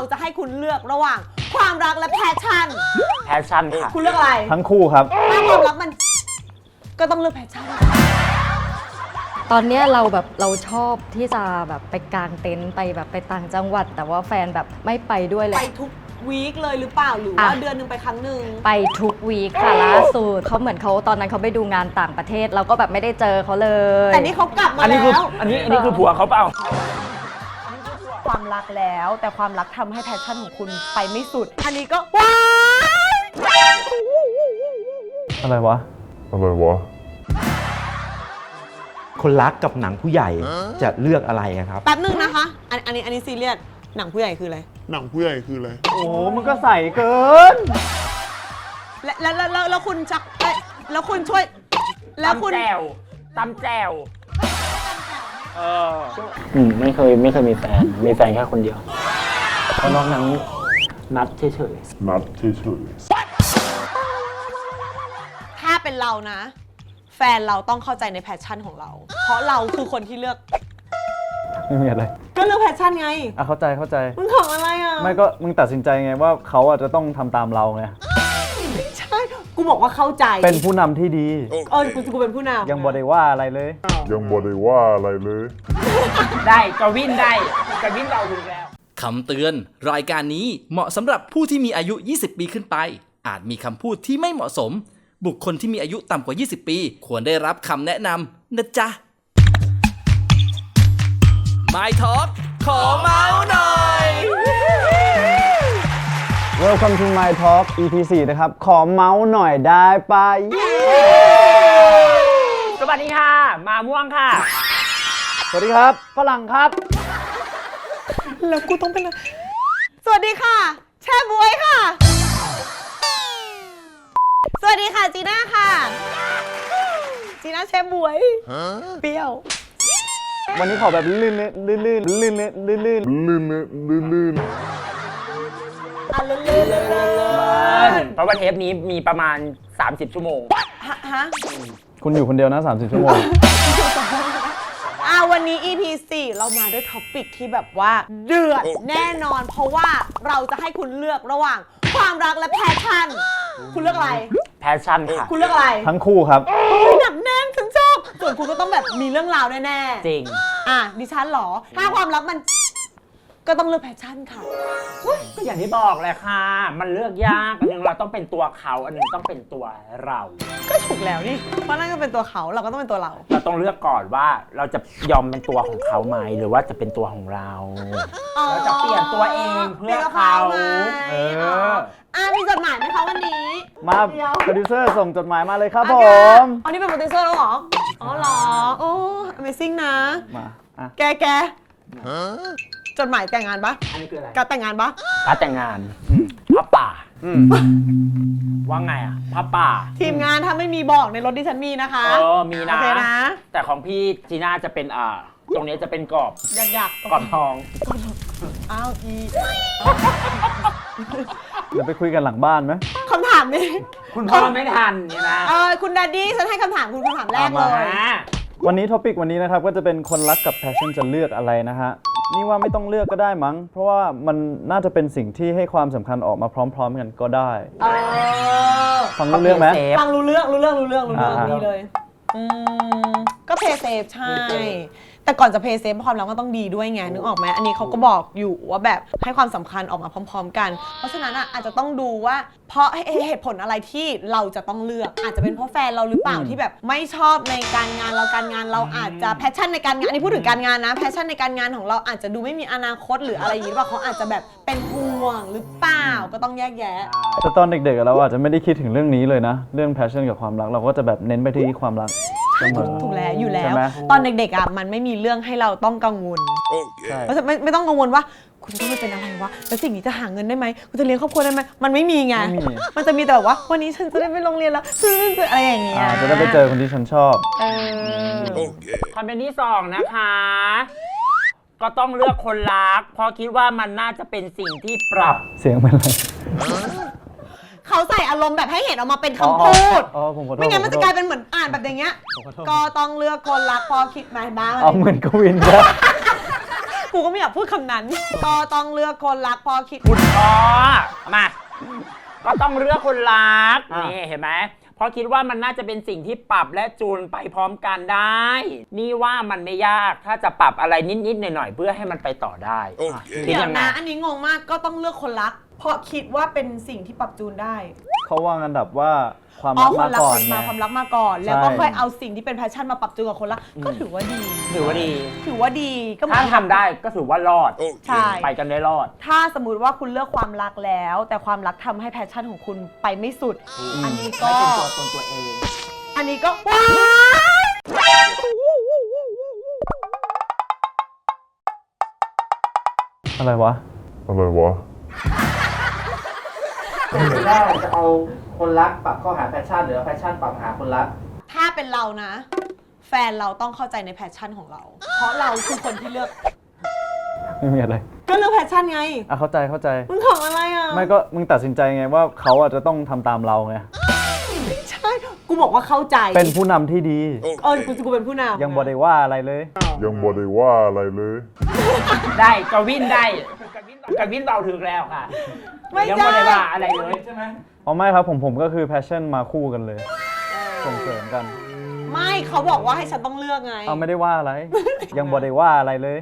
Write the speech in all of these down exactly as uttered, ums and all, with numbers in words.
จะให้คุณเลือกระหว่างความรักและแพชชั่นแพชชั่นค่ะคุณเลือกอะไรทั้งคู่ครับถ้าความรักมันก็ต้องเลือกแพชชั่นตอนนี้เราแบบเราชอบที่จะแบบไปกางเต็นท์ไปแบบไปต่างจังหวัดแต่ว่าแฟนแบบไม่ไปด้วยเลยไปทุกวีคเลยหรือเปล่าหรือว่าเดือนหนึ่งไปครั้งหนึ่งไปทุกวีคค่ะล่าสุดเขาเหมือนเขาตอนนั้นเขาไปดูงานต่างประเทศเราก็แบบไม่ได้เจอเขาเลยแต่นี่เขากลับมาแล้วอันนี้อันนี้คือผัวเขาเปล่าความรักแล้วแต่ความรักทำให้แพชชั่นของคุณไปไม่สุดอันนี้ก็ว้ายอะไรวะอะไรวะคนรักกับหนังผู้ใหญ่จะเลือกอะไรครับแป๊บนึงนะคะอันอันนี้อันนี้ซีเรียสหนังผู้ใหญ่คืออะไรหนังผู้ใหญ่คืออะไรโอ้มันก็ใส่เกินแล้วแล้วแล้วแล้วคุณชักแล้วคุณช่วยแล้วคุณตำแจวตำแจวเอออืมไม่เคยไม่เคยมีแฟนมีแฟนแค่คนเดียวเพราะนอกนั้นนัดเฉยๆนัดเฉยๆถ้าเป็นเรานะแฟนเราต้องเข้าใจในแพชชั่นของเราเพราะเราคือคนที่เลือกไม่มีอะไรก็เลือกแพชชั่นไงอ่ะเข้าใจเข้าใจมึงของอะไรอ่ะไม่ก็มึงตัดสินใจไงว่าเขาอาจจะต้องทำตามเราไงใช่กูบอกว่าเข้าใจเป็นผู้นำที่ดีเออกูกูเป็นผู้นำยังบ่ได้ว่าอะไรเลยยังบ่ได้ว่าอะไรเลยได้กวินได้กวินเราถูกแล้วคำเตือนรายการนี้เหมาะสำหรับผู้ที่มีอายุยี่สิบปีขึ้นไปอาจมีคำพูดที่ไม่เหมาะสมบุคคลที่มีอายุต่ำกว่ายี่สิบปีควรได้รับคำแนะนำนะจ๊ะ My Talk ขอเมาส์หน่อย Welcome to My Talk อี พี สี่นะครับขอเมาส์หน่อยได้ปะสวัสดีค่ะมาม่วงค่ะสวัสดีครับฝรั่งครับแล้วกูต้องเป็นสวัสดีค่ะแช่บวยค่ะสวัสดีค่ะจีน่าค่ะจีน่าแช่บวยเปรี้ยววันนี้ขอแบบลื่นๆลื่นๆลื่นๆลื่นๆลื่นๆลื่นๆลื่นๆลื่นๆอ่ะลื่นๆลื่นๆเพราะว่าเทปนี้มีประมาณสามสิบชั่วโมงฮะคุณอยู่คนเดียวนะสามสิบชั่วโมงอ่ะวันนี้ อี พี สี่เรามาด้วยท็อปิกที่แบบว่าเดือดแน่นอนเพราะว่าเราจะให้คุณเลือกระหว่างความรักและแพชชั่นคุณเลือกอะไรแพชชั่นค่ะคุณเลือกอะไรทั้งคู่ครับหนักแน่นฉันชอบส่วนคุณก็ต้องแบบมีเรื่องราวแน่ๆจริงอ่ะดิฉันเหรอถ้าความรักมันก็ต้องเลือกแพชชั่นค่ะก็อย่างที่บอกเลยค่ะมันเลือกยากอันนึงเราต้องเป็นตัวเขาอันนึงต้องเป็นตัวเราก็ถูกแล้วนี่เพราะนั่นก็เป็นตัวเขาเราก็ต้องเป็นตัวเราเราต้องเลือกก่อนว่าเราจะยอมเป็นตัวของเขาไหมหรือว่าจะเป็นตัวของเราเราจะเปลี่ยนตัวเองเพื่อเขาเอออ่ะมีจดหมายไหมคะวันนี้มาโปรดิวเซอร์ส่งจดหมายมาเลยครับผมอันนี้เป็นโปรดิวเซอร์แล้วเหรออ๋อเหรอโอ้ Amazing นะมาแกแกจดหมายแต่งงานปะอันนี้คืออะไรการแต่งงานปะการแต่งงานพระป่าว่าไงอ่ะพระป่าทีมงานถ้าไม่มีบอกในรถที่ฉันมีนะคะเออมีนะโอเคนะแต่ของพี่จีน่าจะเป็นอ่าตรงนี้จะเป็นกรอบอยากๆกรอบทองอ้าวอีเดี๋ยวไปคุยกันหลังบ้านไหมคำถามนี้คุณพ่อไม่ทันเนี่ยนะเออคุณดัดดี้ฉันให้คำถามคุณคำถามแรกเลยวันนี้ท็อปิกวันนี้นะครับก็จะเป็นคนรักกับแพชชั่นจะเลือกอะไรนะฮะนี่ว่าไม่ต้องเลือกก็ได้มั้งเพราะว่ามันน่าจะเป็นสิ่งที่ให้ความสำคัญออกมาพร้อมๆกันก็ได้ฟังรู้เรื่องไหมฟังรู้เรื่องรู้เรื่องรู้เรื่องรู้เรื่องดีเลยอืมก็เพย์เซฟใช่แต่ก่อนจะเพย์เซฟความรักก็ต้องดีด้วยไงนึกออกไหมอันนี้เขาก็บอกอยู่ว่าแบบให้ความสำคัญออกมาพร้อมๆกันเพราะฉะนั้นอ่ะอาจจะต้องดูว่าเพราะเหตุผลอะไรที่เราจะต้องเลือกอาจจะเป็นเพราะแฟนเราหรือเปล่าที่แบบไม่ชอบในการงานเราการงานเราอาจจะแพชชั่นในการงานอันนี้พูดถึงการงานนะแพชชั่นในการงานของเราอาจจะดูไม่มีอนาคตหรืออะไรอย่างนี้หรือเปล่าเขาอาจจะแบบเป็นห่วงหรือเปล่าก็ต้องแยกแยะแต่ตอนเด็กๆเราอาจจะไม่ได้คิดถึงเรื่องนี้เลยนะเรื่องแพชชั่นกับความรักเราก็จะแบบเน้นไปที่ความรักถูกแล้วอยู่แล้วตอนเด็กๆอ่ะมันไม่มีเรื่องให้เราต้องกังวลเพราะฉะนั้นไม่ไม่ต้องกังวลว่าคุณต้องไปเป็นอะไรวะแล้วสิ่งนี้จะหาเงินได้ไหมคุณจะเลี้ยงครอบครัวได้ไหมมันไม่มีไงมันจะมีแต่แบบว่าวันนี้ฉันจะได้ไปโรงเรียนแล้วอะไรอย่างเงี้ยจะได้ไปเจอคนที่ฉันชอบคอมเมนต์ที่สองนะคะก็ต้องเลือกคนรักเพราะคิดว่ามันน่าจะเป็นสิ่งที่ปรับเสียงเป็นอะไรเขาใส่อารมณ์แบบให้เห็นออกมาเป็นคำพูดไม่งั้นมันจะกลายเป็นเหมือนอ่านแบบอย่างเงี้ยก็ต้องเลือกคนรักพอคิดมาบ้างเอาเหมือนกวินนะกูก็ไม่อยากพูดคำนั้นก็ต้องเลือกคนรักพอคิดคุณพ่อมาก็ต้องเลือกคนรักอ่ะนี่เห็นไหมเพราะคิดว่ามันน่าจะเป็นสิ่งที่ปรับและจูนไปพร้อมกันได้ นี่ว่ามันไม่ยากถ้าจะปรับอะไรนิดๆหน่อยๆเพื่อให้มันไปต่อได้อ่ะคิดเดี๋ยวยังไงนะอันนี้งงมากก็ต้องเลือกคนรัก เพราะคิดว่าเป็นสิ่งที่ปรับจูนได้เขาวางอันดับว่าความอ๋อรักคมานรักก่อนมาไงความรักมาก่อน แล้วก็ใช่ค่อยเอาสิ่งที่เป็นแพชชั่นมาปรับจูนกับคนรักก็ถือว่าดีถือว่าดีถือว่าดีก็เหมืถ้าอนทำได้ก็ถือว่ารอดใช่ไปกันได้รอดถ้าสมมติว่าคุณเลือกความรักแล้ว แต่ความรักทำให้แพชชั่นของคุณไปไม่สุด อันนี้ก็ไม่เป็นตัวตนตัวเองอันนี้ก็ว้ายอะไรวะอะไรวะว่าจะเอาคนรักปรับเข้าหาแพชชั่นหรือแพชชั่นปรับหาคนรักถ้าเป็นเรานะ แฟนเราต้องเข้าใจในแพชชั่นของเรา เพราะเราคือคนที่เลือกไม่มีอะไรก็เลือกแพชชั่นไงอ่ะเข้าใจเข้าใจมึงของอะไรอ่ะไม่ก็มึงตัดสินใจไงว่าเขาอาจจะต้องทำตามเราไงใช่ กูบอกว่าเข้าใจเป็นผู้นำที่ดีเออกูกูเป็นผู้นำยังบ่ได้ว่าอะไรเลยยังบ่ได้ว่าอะไรเลยได้กวินได้กวินเบาถึงแล้วค่ะไม่ยังได้ไม่ได้ว่าอะไรเลยใช่ไหมอ๋อไม่ครับผมผมก็คือ passion มาคู่กันเลย ส่งเสริมกันไม่เขาบอกว่าให้ฉันต้องเลือกไงเอาไม่ได้ว่าอะไร ยังบ่ได้ว่าอะไรเลย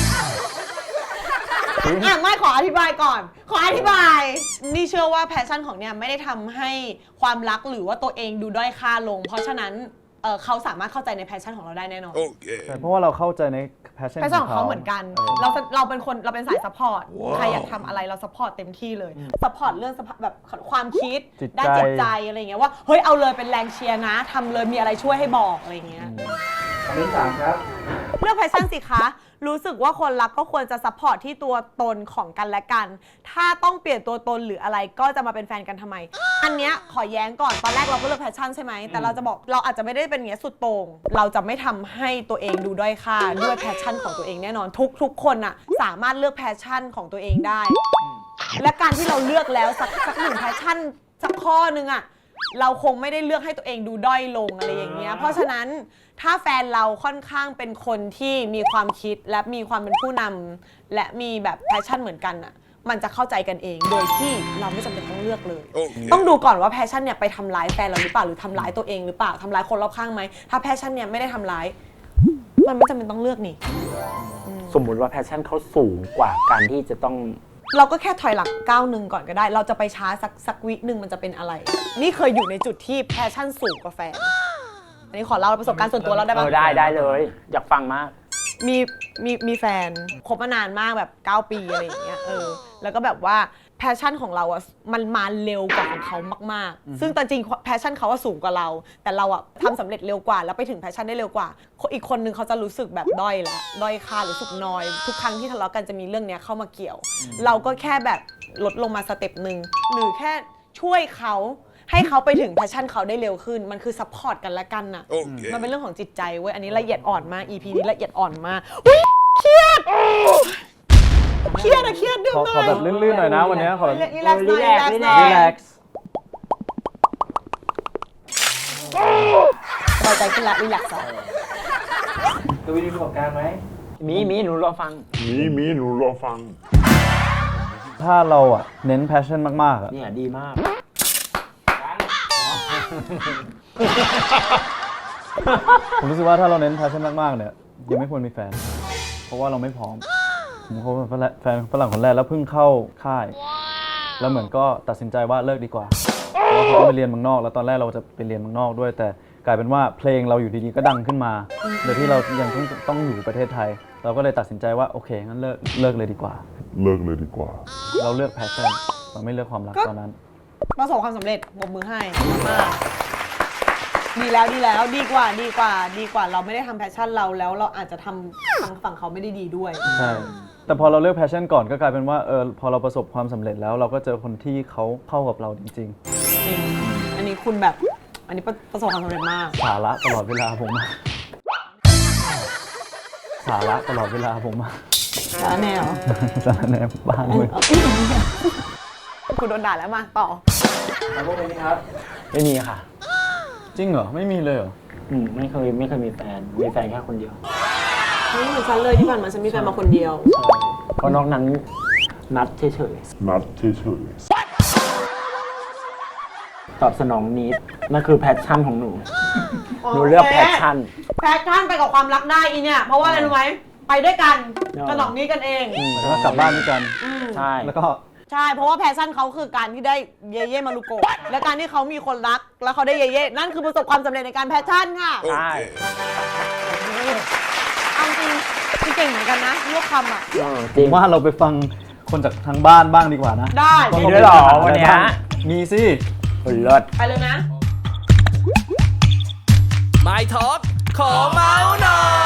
อ่ะไม่ขออธิบายก่อน ขออธิบาย นี่เชื่อว่าแพชชั่นของเนี่ยไม่ได้ทำให้ความรักหรือว่าตัวเองดูด้อยค่าลง เพราะฉะนั้นเอ่อเขาสามารถเข้าใจในแพชชั่นของเราได้แน่นอนใช่เพราะว่าเราเข้าใจใน passion แพชชั่นของเขาเหมือนกันเออเราเราเป็นคนเราเป็นสายซัพพอร์ต ใครอยากทำอะไรเราซัพพอร์ตเต็มที่เลย ซัพพอร์ตเรื่อง support แบบความคิดจิตใจด้านจิตใจอะไรอย่างเงี้ยว่าเฮ้ยเอาเลยเป็นแรงเชียร์นะทำเลยมีอะไรช่วยให้บอกอะไรอย่างเงี้ยคำที่สามครับเลือกแพชชั่นสิคะ รู้สึกว่าคนรักก็ควรจะซัพพอร์ตที่ตัวตนของกันและกัน ถ้าต้องเปลี่ยนตัวตนหรืออะไรก็จะมาเป็นแฟนกันทำไม อันเนี้ยขอแย้งก่อน ตอนแรกเราก็เลือกแพชชั่นใช่ไหม แต่เราจะบอกเราอาจจะไม่ได้เป็นอย่างเงี้ยสุดโต่งเราจะไม่ทำให้ตัวเองดูด้อยค่าด้วยแพชชั่นของตัวเองแน่นอน ทุกทุกคนอะสามารถเลือกแพชชั่นของตัวเองได้ และการที่เราเลือกแล้วสักสักหนึ่งแพชชั่นสักข้อนึงอะเราคงไม่ได้เลือกให้ตัวเองดูด้อยลงอะไรอย่างเงี้ย เพราะฉะนั้นถ้าแฟนเราค่อนข้างเป็นคนที่มีความคิดและมีความเป็นผู้นำและมีแบบแพชชั่นเหมือนกันอะมันจะเข้าใจกันเองโดยที่เราไม่จำเป็นต้องเลือกเลย ต้องดูก่อนว่าแพชชั่นเนี่ยไปทำร้ายแฟนเราหรือเปล่าหรือทำร้ายตัวเองหรือเปล่าทำร้ายคนรอบข้างไหมถ้าแพชชั่นเนี่ยไม่ได้ทำร้ายมันไม่จำเป็นต้องเลือกนี่สมมุติว่าแพชชั่นเขาสูงกว่าการที่จะต้องเราก็แค่ถอยหลังก้าวหนึ่งก่อนก็ได้ เราจะไปช้าสักสักวิหนึ่งมันจะเป็นอะไร นี่เคยอยู่ในจุดที่แพชชั่นสูงกว่าแฟน อันนี้ขอเล่าประสบการณ์ส่วนตัวเราได้เอปะอได้ได้เลย อยากฟังมากมีมีมีแฟนคบมานานมากแบบเก้าปีอะไรอย่างเงี้ยเออแล้วก็แบบว่าแพชชั่นของเราอะมันมาเร็วกว่าของเขามากๆ ซึ่งแต่จริงแพชชั่นเขาว่าสูงกว่าเรา แต่เราอะทำสำเร็จเร็วกว่าแล้วไปถึงแพชชั่นได้เร็วกว่า อีกคนนึงเขาจะรู้สึกแบบด้อยแล้วด้อยค่ารู้สึกน้อย ทุกครั้งที่ทะเลาะกันจะมีเรื่องเนี้ยเข้ามาเกี่ยว เราก็แค่แบบลดลงมาสเต็ปหนึ่งหรือแค่ช่วยเขาให้เขาไปถึงแพชชั่นเขาได้เร็วขึ้นมันคือซัพพอร์ตกันและกันน่ะ มันเป็นเรื่องของจิตใจเว้ยอันนี้ละเอียดอ่อนมาก อี พี นี้ละเอียดอ่อนมากอุ๊ยเครียดเครียดอะเครียดดื่มขอหน่ขออยแบบลื่นๆหน่อยนะวันนี้ขอรีแลกซ์หน่อยรีแลกซ์หน่อย relax สบายใจขึ้นละรีแลกซ์ดูวิดีโอประกอบการไหมมีมีหนูรอฟังมีมีหนูรอฟังถ้าเราอ่ะเน้น passion มากๆอ่ะเนี่ยดีมากผมรู้สึกว่าถ้าเราเน้น passion มากๆเนี่ยยังไม่ควรมีแฟน เพราะว่าเราไม่พร้อมผมคบกับแฟนฝรั่งคนแรกแล้วเพิ่งเข้าค่าย แล้วเหมือนก็ตัดสินใจว่าเลิกดีกว่าเพราะว่าเขาก็ไปเรียนเมืองนอก แล้วตอนแรกเราจะไปเรียนเมืองนอกด้วย แต่กลายเป็นว่าเพลงเราอยู่ดีๆก็ดังขึ้นมาโดยที่เรายังต้องต้องอยู่ประเทศไทย เราก็เลยตัดสินใจว่าโอเคงั้นเลิกเลิกเลยดีกว่าเลิกเลยดีกว่าเราเลือก passion เราไม่เลือกความรักตอนนั้นประสบความสำเร็จปรบมือให้มากดีแล้วดีแล้วดีกว่าดีกว่าดีกว่าเราไม่ได้ทำแพชชั่นเราแล้วเราอาจจะทำฝั่งฝั่งเขาไม่ได้ดีด้วยใช่ แต่พอเราเลือก passion ก่อนก็กลายเป็นว่าเออพอเราประสบความสำเร็จแล้วเราก็เจอคนที่เขาเข้ากับเราจริงจริง อันนี้คุณแบบ อันนี้ประประสบความสำเร็จมากๆ สาระตลอดเวลาผมอะสาระตลอดเวลาผมอะแล้วแนวสาระแนบบ้างเลยคุณโดนด่าแล้วมาต่อแล้วพวกนี้ครับไม่มีค่ะจริงเหรอ ไม่มีเลยเหรออืมไม่เคยไม่เคยมีแฟน มีแฟนแค่คนเดียวนี่เหมือนฉันเลยที่ผ่านมาฉันมีแฟนมาคนเดียวเพราะนอกนั้นนัดเฉยนัดเฉยๆตอบสนองนิดนั่นคือแพชชั่นของหนู หนูเลือกแพชชั่นแพชชั่นไปกับความรักได้อีเนี่ย เพราะว่าอะไรรู้ไหมไปด้วยกันเออกระหน่องนี้กันเองแล้วก็กลับบ้านด้วยกันใช่แล้วก็ใช่ เพราะว่าแพชชั่นเขาคือการที่ได้เยเย่มารุโกะและการที่เขามีคนรัก แล้วเขาได้เยเย่นั่นคือประสบความสำเร็จในการแพชชั่นค่ะใช่เอาจริงคือเก่งเหมือนกันนะเลือกคำอ่ะเออจผริงมว่าเราไปฟังคนจากทางบ้านบ้างดีกว่านะได้มีด้วยเหรอวันเนี้ยมีสิเฮ้ยเลิศไปเลยนะ My Talk ขอเมาส์หน่อย